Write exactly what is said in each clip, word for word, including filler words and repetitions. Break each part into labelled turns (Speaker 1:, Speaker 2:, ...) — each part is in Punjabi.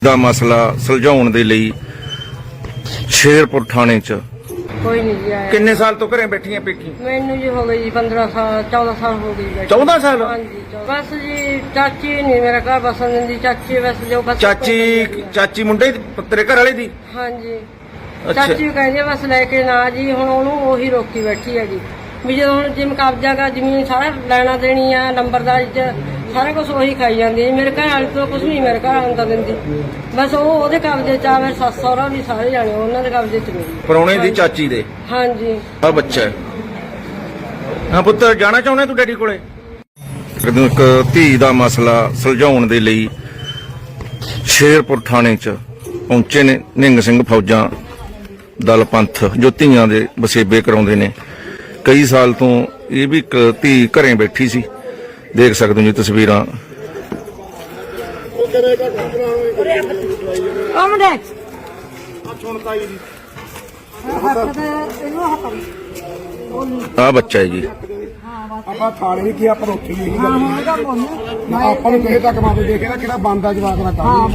Speaker 1: ਦਾ ਮਸਲਾ ਸੁਲਝਾਉਣ ਦੇ ਲਈ ਸ਼ੇਰਪੁਰ ਥਾਣੇ 'ਚ
Speaker 2: ਕੋਈ ਨਹੀਂ ਜੀ ਆਇਆ।
Speaker 1: ਕਿੰਨੇ ਸਾਲ ਤੋਂ ਘਰੇ ਬੈਠੀਆਂ ਪੇਕੀ?
Speaker 2: ਮੈਨੂੰ ਜੀ ਹੋ ਗਈ ਜੀ ਪੰਦਰਾਂ ਸਾਲ ਚੌਦਾਂ ਸਾਲ ਹੋ ਗਈ ਬੈਠੀ।
Speaker 1: ਚੌਦਾਂ ਸਾਲ?
Speaker 2: ਹਾਂਜੀ ਚੌਦਾਂ। ਬਸ ਜੀ ਚਾਚੀ ਨਹੀਂ ਮੇਰਾ ਘਰ ਬਸਣ ਦਿੰਦੀ। ਚਾਚੀ ਬਸ ਜੋ ਬਸ
Speaker 1: ਚਾਚੀ ਚਾਚੀ ਮੁੰਡੇ ਦੀ ਤੇਰੇ ਘਰ ਵਾਲੇ ਦੀ?
Speaker 2: ਹਾਂਜੀ
Speaker 1: ਅੱਛਾ।
Speaker 2: ਚਾਚੀ ਕਹਿੰਦੀ ਆ ਬਸ ਲੈ ਕੇ ਨਾ ਜੀ। ਹੁਣ ਉਹਨੂੰ ਉਹੀ ਰੋਕੀ ਬੈਠੀ ਹੈਗੀ ਵੀ ਜਦੋਂ ਹੁਣ ਜਿਮ ਕਬਜ਼ਾ ਗਾ ਜ਼ਮੀਨ ਸਾਰਾ ਲੈਣਾ ਦੇਣੀ ਆ ਨੰਬਰਦਾਰੀ ਚ ਸਾਰਾ ਕੁਝ ਉਹੀ ਖਾਈ ਜਾਂਦੀ ਹੈ। ਮੇਰੇ ਘਰ ਵਾਲੇ ਤੋਂ ਕੁਝ ਨਹੀਂ ਮੇਰੇ ਘਰ ਆਉਂਦਾ ਦਿੰਦੀ। ਬਸ ਉਹ ਉਹਦੇ ਕਬਜ਼ੇ ਚ ਆ। ਮੇਰੇ ਸੱਸ ਸਹੁਰਾ ਵੀ ਸਾਰੇ ਜਾਣੇ ਉਹਨਾਂ ਦੇ ਕਬਜ਼ੇ ਚ ਨੇ।
Speaker 1: ਪਰੌਣੇ ਦੀ ਚਾਚੀ ਦੇ?
Speaker 2: ਹਾਂਜੀ।
Speaker 1: ਆ ਬੱਚਾ ਹੈ। ਹਾਂ ਪੁੱਤ ਜਾਣਾ ਚਾਹੁੰਦਾ ਤੂੰ ਡੈਡੀ ਕੋਲੇ? ਇੱਕ ਧੀ ਦਾ ਮਸਲਾ ਸੁਲਝਾਉਣ ਦੇ ਲਈ ਸ਼ੇਰਪੁਰ ਥਾਣੇ 'ਚ ਪਹੁੰਚੇ ਨੇ ਨਿੰਗ ਸਿੰਘ ਫੌਜਾਂ ਦਲ ਪੰਥ ਜੋ ਧੀਆਂ ਦੇ ਵਸੇਬੇ ਕਰਾਉਂਦੇ ਨੇ। ਕਈ ਸਾਲ ਤੋਂ ਇਹ ਵੀ ਇੱਕ ਧੀ ਘਰੇ ਬੈਠੀ ਸੀ, ਦੇਖ ਸਕਦੇ ਹੋ ਜੀ ਤਸਵੀਰਾਂ। ਆ ਬੱਚਾ ਹੈ ਜੀ।
Speaker 3: ਆਪਾਂ ਥਾਣੇ ਵੀ ਕੀ ਆਪਾਂ ਉੱਥੇ ਹੀ ਆਪਾਂ ਨੂੰ ਕਿਸੇ ਤੱਕ ਮਾਪੇ ਦੇਖਿਆ ਕਿਹੜਾ ਬੰਦਾ ਜਵਾਕ ਦਾ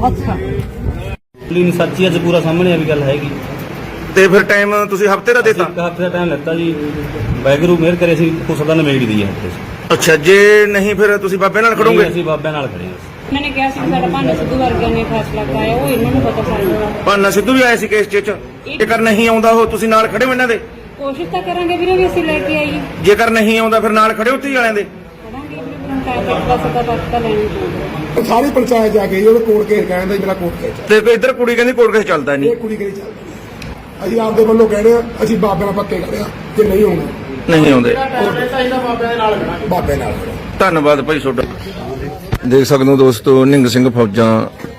Speaker 3: ਕੰਮ।
Speaker 4: ਲੀਨ ਸੱਚੀ ਅੱਜ ਪੂਰਾ ਸਾਹਮਣੇ ਆ ਵੀ ਗੱਲ ਹੈਗੀ।
Speaker 1: ਤੇ ਫਿਰ ਟਾਈਮ ਤੁਸੀਂ ਹਫਤੇ ਦਾ ਦੇਤਾ?
Speaker 4: ਇੱਕ ਹਫ਼ਤੇ ਦਾ ਟਾਈਮ ਲੱਤਾ ਜੀ। ਵਾਹਿਗੁਰੂ ਮਿਹਰ ਕਰੇ ਸੀ ਕੁਛ ਦਾ ਨਵੇੜ ਦੀ ਹੈ ਹਫ਼ਤੇ 'ਚ।
Speaker 1: ਅੱਛਾ, ਜੇ ਨਹੀਂ ਫਿਰ ਤੁਸੀਂ ਬਾਬੇ ਨਾਲ ਖੜੋਗੇ?
Speaker 4: ਅਸੀਂ ਬਾਬਿਆਂ ਨਾਲ ਖੜੇ ਹਾਂ।
Speaker 2: ਮੈंने ਕਿਹਾ ਸੀ ਸਾਡਾ ਭਾਨਾ ਸਿੱਧੂ ਵਰਗਿਆਂ ਨੇ ਫੈਸਲਾ ਕਰਾਇਆ ਉਹ ਇਹਨਾਂ ਨੂੰ ਪਤਾ ਚੱਲਦਾ।
Speaker 1: ਭਾਨਾ ਸਿੱਧੂ ਵੀ ਆਇਆ ਸੀ ਕੇਸ 'ਚ। ਜੇਕਰ ਨਹੀਂ ਆਉਂਦਾ ਉਹ ਤੁਸੀਂ ਨਾਲ ਖੜੇ ਹੋ ਇਹਨਾਂ ਦੇ?
Speaker 2: ਕੋਸ਼ਿਸ਼ ਤਾਂ ਕਰਾਂਗੇ ਵੀਰੇ ਵੀ ਅਸੀਂ ਲੈ ਕੇ ਆਈਏ।
Speaker 1: ਜੇਕਰ ਨਹੀਂ ਆਉਂਦਾ ਫਿਰ ਨਾਲ ਖੜੇ ਹੋ ਧੀ ਵਾਲਿਆਂ ਦੇ?
Speaker 2: ਕਰਾਂਗੇ ਵੀਰੇ ਪੰਚਾਇਤ ਦਾ ਸਦਾ ਪੱਤਾ ਲੈਣੀ ਪਊਗਾ।
Speaker 3: ਸਾਰੀ ਪੰਚਾਇਤ ਜਾ ਕੇ ਉਹਨੇ ਕੋਰਟ ਕੇਸ ਕਹਿੰਦਾ ਮੇਰਾ ਕੋਰਟ ਕੇਸ
Speaker 1: ਤੇ ਕੋਈ ਇੱਧਰ ਕੁੜੀ ਕਹਿੰਦੀ ਕੋਰਟ ਕੇਸ ਚੱਲਦਾ ਨਹੀਂ।
Speaker 3: ਇਹ ਕੁੜੀ ਕਿਹੜੀ ਚੱਲਦੀ ਅਸੀਂ ਆਪਦੇ ਵੱਲੋਂ ਕਹਿੰਦੇ ਆ ਅਸੀਂ ਬਾਬੇ ਨਾਲ ਪੱਕੇ ਕਰਦੇ ਆ ਜੇ ਨਹੀਂ ਆਉਣਾ
Speaker 1: ਨਹੀਂ ਆਉਂਦੇ
Speaker 3: ਬਾਬੇ ਨਾਲ।
Speaker 1: ਧੰਨਵਾਦ ਭਾਈ ਤੁਹਾਡਾ। ਦੇਖ ਸਕਦੇ ਹੋ ਦੋਸਤੋ, ਨਿੰਗ ਸਿੰਘ ਫੌਜਾਂ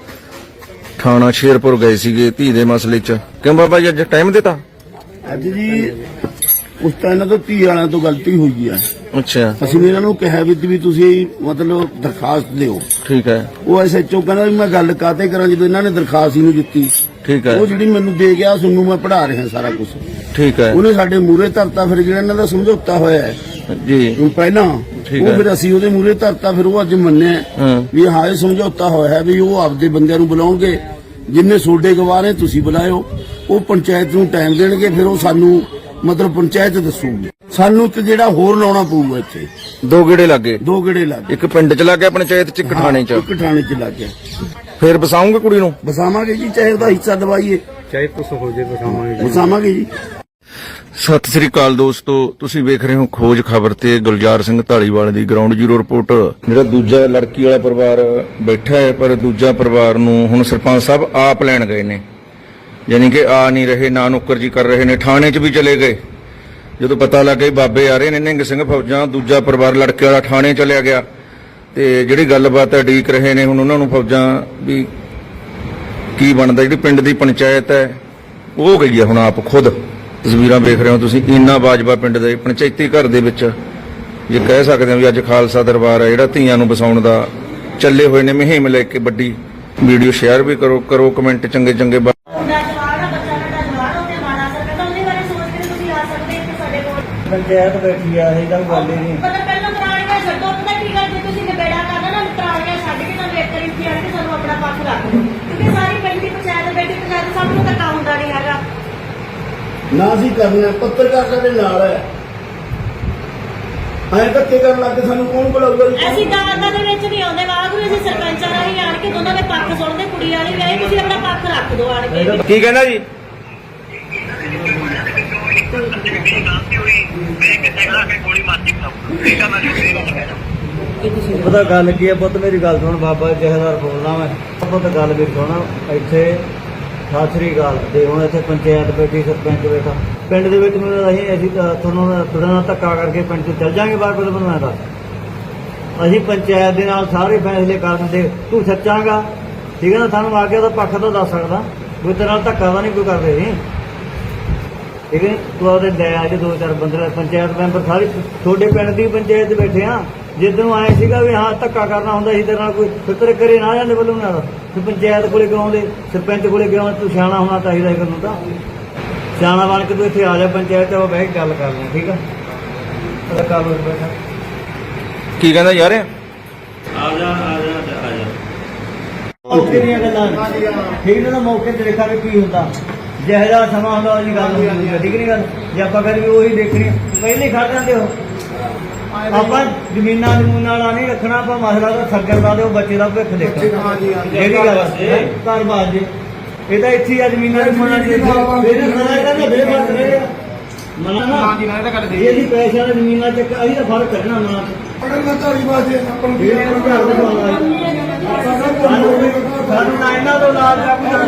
Speaker 1: ਥਾਣਾ ਸ਼ੇਰਪੁਰ ਗਏ ਸੀਗੇ ਧੀ ਦੇ ਮਸਲੇ 'ਚ। ਕਿਉਂ ਬਾਬਾ ਜੀ ਅੱਜ ਟਾਈਮ ਦਿੱਤਾ?
Speaker 5: ਅੱਜ ਜੀ ਉਸ ਤਾਂ ਇਹਨਾਂ ਤੋਂ ਧੀ ਵਾਲਿਆਂ ਤੋਂ ਗਲਤੀ ਹੋਈ ਹੈ।
Speaker 1: ਅੱਛਾ
Speaker 5: ਅਸੀਂ ਵੀ ਇਹਨਾਂ ਨੂੰ ਕਿਹਾ ਵੀ ਵੀ ਤੁਸੀਂ ਮਤਲਬ ਦਰਖਾਸਤ ਦਿਓ।
Speaker 1: ਠੀਕ ਹੈ।
Speaker 5: ਉਹ ਐਸਐਚਓ ਕਹਿੰਦਾ ਵੀ ਮੈਂ ਗੱਲ ਕਾਤੇ ਕਰਾਂ ਜਦੋਂ ਇਹਨਾਂ ਨੇ ਦਰਖਾਸਤ ਹੀ ਨਹੀਂ ਦਿੱਤੀ।
Speaker 1: ਠੀਕ ਹੈ।
Speaker 5: ਉਹ ਜਿਹੜੀ ਮੈਨੂੰ ਦੇ ਗਿਆ ਤੁਹਾਨੂੰ ਮੈਂ ਪੜ੍ਹਾ ਰਿਹਾ ਸਾਰਾ ਕੁਝ।
Speaker 1: ਠੀਕ ਹੈ
Speaker 5: ਉਹਨੇ ਸਾਡੇ ਮੂਹਰੇ ਧਰਤਾ। ਫਿਰ ਜਿਹੜਾ ਇਹਨਾਂ ਦਾ ਸਮਝੌਤਾ ਹੋਇਆ ਹੈ
Speaker 1: ਜੀ
Speaker 5: ਉਹ ਪਹਿਲਾਂ
Speaker 1: ਠੀਕ
Speaker 5: ਉਹ
Speaker 1: ਹੈ।
Speaker 5: ਫਿਰ ਅਸੀਂ ਉਹਦੇ ਮੂਹਰੇ ਧਰਤਾ। ਫਿਰ ਉਹ ਅੱਜ ਮੰਨਿਆ
Speaker 1: ਹਾਂ।
Speaker 5: ਵੀ ਹਾਂ ਇਹ ਸਮਝੌਤਾ ਹੋਇਆ ਹੈ ਵੀ ਉਹ ਆਪਦੇ ਬੰਦਿਆਂ ਨੂੰ ਬੁਲਾਉਣਗੇ ਜਿੰਨੇ ਸੋਡੇ ਗਵਾਹ ਨੇ ਤੁਸੀਂ ਬੁਲਾਇਓ। ਉਹ ਪੰਚਾਇਤ ਨੂੰ ਟਾਈਮ ਦੇਣਗੇ ਫਿਰ ਉਹ ਸਾਨੂੰ ਮਤਲਬ ਪੰਚਾਇਤ ਦੱਸੂਗੀ। ਸਾਨੂੰ ਇੱਕ ਜਿਹੜਾ ਹੋਰ ਲਾਉਣਾ ਪਊਗਾ ਇੱਥੇ।
Speaker 1: ਦੋ ਗੇੜੇ ਲੱਗੇ?
Speaker 5: ਦੋ ਗੇੜੇ ਲੱਗ
Speaker 1: ਇੱਕ ਪਿੰਡ 'ਚ ਲੱਗ ਗਿਆ ਪੰਚਾਇਤ 'ਚ, ਇੱਕ ਥਾਣੇ 'ਚ।
Speaker 5: ਇੱਕ ਥਾਣੇ ਚ ਲੱਗ ਗਿਆ।
Speaker 1: ਫਿਰ ਬਸਾਉਂਗੇ ਕੁੜੀ ਨੂੰ?
Speaker 5: ਬਸਾਵਾਂਗੇ ਜੀ ਚਾਹੇ ਉਹਦਾ ਹਿੱਸਾ ਦਵਾਈਏ
Speaker 3: ਚਾਹੇ ਕੁਛ ਹੋ ਜੇ ਬਸਾਵਾਂਗੇ
Speaker 5: ਬਸਾਵਾਂਗੇ ਜੀ।
Speaker 1: ਸਤਿ ਸ੍ਰੀ ਅਕਾਲ ਦੋਸਤੋ, ਤੁਸੀਂ ਵੇਖ ਰਹੇ ਹੋ ਖੋਜ ਖਬਰ ਤੇ ਗੁਲਜ਼ਾਰ ਸਿੰਘ ਢਾਲੀਵਾਲ ਦੀ ਗਰਾਊਂਡ ਜ਼ੀਰੋ ਰਿਪੋਰਟ। ਜਿਹੜਾ ਦੂਜਾ ਲੜਕੀ ਵਾਲਾ ਪਰਿਵਾਰ ਬੈਠਾ ਹੈ, ਪਰ ਦੂਜਾ ਪਰਿਵਾਰ ਨੂੰ ਹੁਣ ਸਰਪੰਚ ਸਾਹਿਬ ਆਪ ਲੈਣ ਗਏ ਨੇ। ਯਾਨੀ ਕਿ ਆ ਨਹੀਂ ਰਹੇ, ਨਾ ਨੁੱਕਰ ਜੀ ਕਰ ਰਹੇ ਨੇ। ਥਾਣੇ 'ਚ ਵੀ ਚਲੇ ਗਏ। ਜਦੋਂ ਪਤਾ ਲੱਗ ਗਿਆ ਬਾਬੇ ਆ ਰਹੇ ਨੇ ਨਿੰਗ ਸਿੰਘ ਫੌਜਾਂ, ਦੂਜਾ ਪਰਿਵਾਰ ਲੜਕੇ ਵਾਲਾ ਥਾਣੇ ਚਲਿਆ ਗਿਆ। ਤੇ ਜਿਹੜੀ ਗੱਲਬਾਤ ਉਡੀਕ ਰਹੇ ਨੇ ਹੁਣ ਉਹਨਾਂ ਨੂੰ ਫੌਜਾਂ ਵੀ ਕੀ ਬਣਦਾ। ਜਿਹੜੀ ਪਿੰਡ ਦੀ ਪੰਚਾਇਤ ਹੈ ਉਹ ਗਈ ਹੈ ਹੁਣ ਆਪ ਖੁਦ। ਤਸਵੀਰਾਂ ਵੇਖ ਰਹੇ ਹੋ ਤੁਸੀਂ ਇੰਨਾ ਬਾਜਵਾ ਪਿੰਡ ਦੇ ਪੰਚਾਇਤੀ ਘਰ ਦੇ ਵਿੱਚ। ਜੇ ਕਹਿ ਸਕਦੇ ਹਾਂ ਵੀ ਅੱਜ ਖਾਲਸਾ ਦਰਬਾਰ ਹੈ ਜਿਹੜਾ ਧੀਆਂ ਨੂੰ ਵਸਾਉਣ ਦਾ ਚੱਲੇ ਹੋਏ ਨੇ ਮੁਹਿੰਮ ਲੈ ਕੇ। ਵੱਡੀ ਵੀਡੀਓ ਸ਼ੇਅਰ ਵੀ ਕਰੋ ਕਰੋ ਕਮੈਂਟ ਚੰਗੇ ਚੰਗੇ।
Speaker 4: ਪੰਚਾਇਤ ਬੈਠੀ ਆ ਇਹ ਤਾਂ ਗੱਲ ਹੀ ਨਹੀਂ।
Speaker 6: ਮਤਲਬ ਪਹਿਲਾਂ ਪੁਰਾਣੀਆਂ ਛੱਡੋ। ਪਤਾ ਕੀ ਗੱਲ ਜੇ ਤੁਸੀਂ ਨਿਬੇੜਾ ਕਰਨਾ ਨਾ ਪੁਰਾਣੀਆਂ ਛੱਡ ਕੇ ਤੁਹਾਨੂੰ ਇੱਕ ਵਾਰੀ ਇੱਥੇ ਆ ਕੇ ਸਾਨੂੰ ਆਪਣਾ ਪੱਖ ਰੱਖ ਦਿਓ। ਕਿਉਂਕਿ ਸਾਰੀ ਪਿੰਡ ਦੀ ਪੰਚਾਇਤ ਬੈਠੀ ਪੰਚਾਇਤ ਸਭ ਨੂੰ ਧੱਕਾ ਹੁੰਦਾ ਨਹੀਂ ਹੈਗਾ।
Speaker 5: ਨਾ ਅਸੀਂ ਕਰਨਾ ਪੱਤਰਕਾਰ ਸਾਡੇ ਨਾਲ ਹੈ। ਐਂ ਧੱਕੇ ਕਰਨ ਲੱਗ ਕੇ ਸਾਨੂੰ ਕੌਣ ਬੁਲਾਊਗਾ ਜੀ?
Speaker 6: ਅਸੀਂ ਦਾਦਾ ਦੇ ਵਿੱਚ ਨਹੀਂ ਆਉਂਦੇ ਵਾਗਰੂ। ਅਸੀਂ ਸਰਪੰਚਾਂ ਰਾਹੀਂ ਆਣ ਕੇ ਦੋਨਾਂ ਦੇ ਪੱਖ ਸੁਣਦੇ। ਕੁੜੀ ਵਾਲੀ ਵੀ ਆਈ ਤੁਸੀਂ ਆਪਣਾ ਪੱਖ ਰੱਖ ਦਿਓ ਆਣ ਕੇ।
Speaker 1: ਕੀ ਕਹਿੰਦਾ ਜੀ?
Speaker 4: ਪਤਾ ਗੱਲ ਕੀ ਹੈ ਪੁੱਤ, ਮੇਰੀ ਗੱਲ ਸੁਣ। ਬਾਬਾ ਜਹੇਦਾਰ ਬੋਲਣਾ ਮੈਂ। ਪੁੱਤ ਗੱਲ ਵੀ ਸੁਣ। ਇੱਥੇ ਸਤਿ ਸ੍ਰੀ ਅਕਾਲ ਤੇ ਹੁਣ ਇੱਥੇ ਪੰਚਾਇਤ ਬੈਠੀ, ਸਰਪੰਚ ਬੈਠਾ। ਪਿੰਡ ਦੇ ਵਿੱਚ ਮੈਨੂੰ ਅਸੀਂ ਅਸੀਂ ਤੁਹਾਨੂੰ ਤੁਹਾਡੇ ਨਾਲ ਧੱਕਾ ਕਰਕੇ ਪਿੰਡ ਤੋਂ ਚੱਲ ਜਾਾਂਗੇ ਬਾਹਰ। ਬਦਲ ਬਣਾਇਆ ਦੱਸ ਅਸੀਂ ਪੰਚਾਇਤ ਦੇ ਨਾਲ ਸਾਰੇ ਫੈਸਲੇ ਕਰ ਦਿੰਦੇ। ਤੂੰ ਸੱਚਾਂਗਾ ਠੀਕ ਹੈ ਨਾ? ਸਾਨੂੰ ਆ ਕੇ ਉਹਦਾ ਪੱਖ ਤਾਂ ਦੱਸ ਸਕਦਾ। ਕੋਈ ਤੇਰੇ ਨਾਲ ਧੱਕਾ ਤਾਂ ਨਹੀਂ ਕੋਈ ਕਰਦੇ ਨਹੀਂ ਠੀਕ ਹੈ। ਤੂੰ ਉਹਦੇ ਲੈ ਆ ਜੇ ਦੋ ਚਾਰ ਬੰਦੇ ਪੰਚਾਇਤ ਮੈਂਬਰ ਸਾਰੇ ਤੁਹਾਡੇ ਪਿੰਡ ਦੀ ਪੰਚਾਇਤ ਬੈਠੇ ਆ। ਜਿੱਦੋਂ ਆਏ ਸੀਗਾ ਵੀ ਹਾਂ ਧੱਕਾ ਕਰਨਾ ਹੁੰਦਾ ਸੀ ਤੇਰੇ ਨਾਲ ਕੋਈ ਫਿਕਰ ਕਰੇ ਨਾ ਜਾਂਦੇ ਵੱਲੋਂ ਨਾਲ। ਤੇ ਪੰਚਾਇਤ ਕੋਲੇ ਕਿਉਂ ਆਉਂਦੇ, ਸਰਪੰਚ ਕੋਲੇ ਕਿਉਂ? ਤੂੰ ਸਿਆਣਾ ਹੋਣਾ ਚਾਹੀਦਾ ਇਹ ਨੂੰ ਤਾਂ। ਸਿਆਣਾ ਬਣ ਕੇ ਤੂੰ ਇੱਥੇ ਆ ਜਾ ਪੰਚਾਇਤ 'ਚ ਬਹਿ ਕੇ ਗੱਲ ਕਰ ਲਈ ਠੀਕ ਆ? ਕਰ ਲਓ ਬੈਠਾ।
Speaker 1: ਕੀ ਕਹਿੰਦਾ ਯਾਰ?
Speaker 4: ਆ ਜਾ ਆ ਜਾ ਆ ਜਾ। ਮੌਕੇ ਦੀਆਂ ਗੱਲਾਂ ਠੀਕ ਨਾ ਮੌਕੇ ਤੇ ਦੇਖਾਂਗੇ ਕੀ ਹੁੰਦਾ ਜਿਹੋ ਜਿਹਾ ਸਮਾਂ ਹੁੰਦਾ ਉਹਦੀ ਗੱਲ ਹੁੰਦੀ ਹੈ ਠੀਕ ਨਹੀਂ ਗੱਲ ਜੇ ਆਪਾਂ ਕਰੀਏ ਉਹੀ ਦੇਖਣੀ ਪਹਿਲੇ ਖੜ ਜਾਂਦੇ ਹੋ ਆਪਾਂ ਜ਼ਮੀਨਾਂ ਜ਼ਮੂਨਾਂ ਵਾਲਾ ਨਹੀਂ ਰੱਖਣਾ ਆਪਾਂ ਮਸਲਾ ਤਾਂ ਸੱਜਣ ਦਾ ਤੇ ਉਹ ਬੱਚੇ ਦਾ ਭਵਿੱਖ ਦੇਖਣਾ ਜਿਹੜੀ ਗੱਲ ਹੈ ਘਰ ਬਾਜ ਜੇ ਇਹ ਤਾਂ ਇੱਥੇ ਆ ਜ਼ਮੀਨਾਂ ਜ਼ਮੂਨਾਂ ਦੇ ਇਹਦੇ ਸਦਾ ਇਹਦਾ ਨਾ ਬੇਫਰਜ਼ ਰਹੇ ਮਨਾ ਨਾ ਇਹ ਜੀ ਪੈਸਿਆਂ ਦੀ ਜ਼ਮੀਨਾਂ ਚ ਅਸੀਂ ਤਾਂ ਫਰਕ ਕੱਢਣਾ ਨਾ
Speaker 3: ਅਗਰ ਮੈਂ ਧਾਰੀ ਬਾਜੇ ਆਪਾਂ ਨੂੰ
Speaker 4: ਇਹ ਨੂੰ ਘਰ ਦੇ ਸਾਨੂੰ ਨਾ ਇਹਨਾਂ ਤੋਂ ਲਾਜ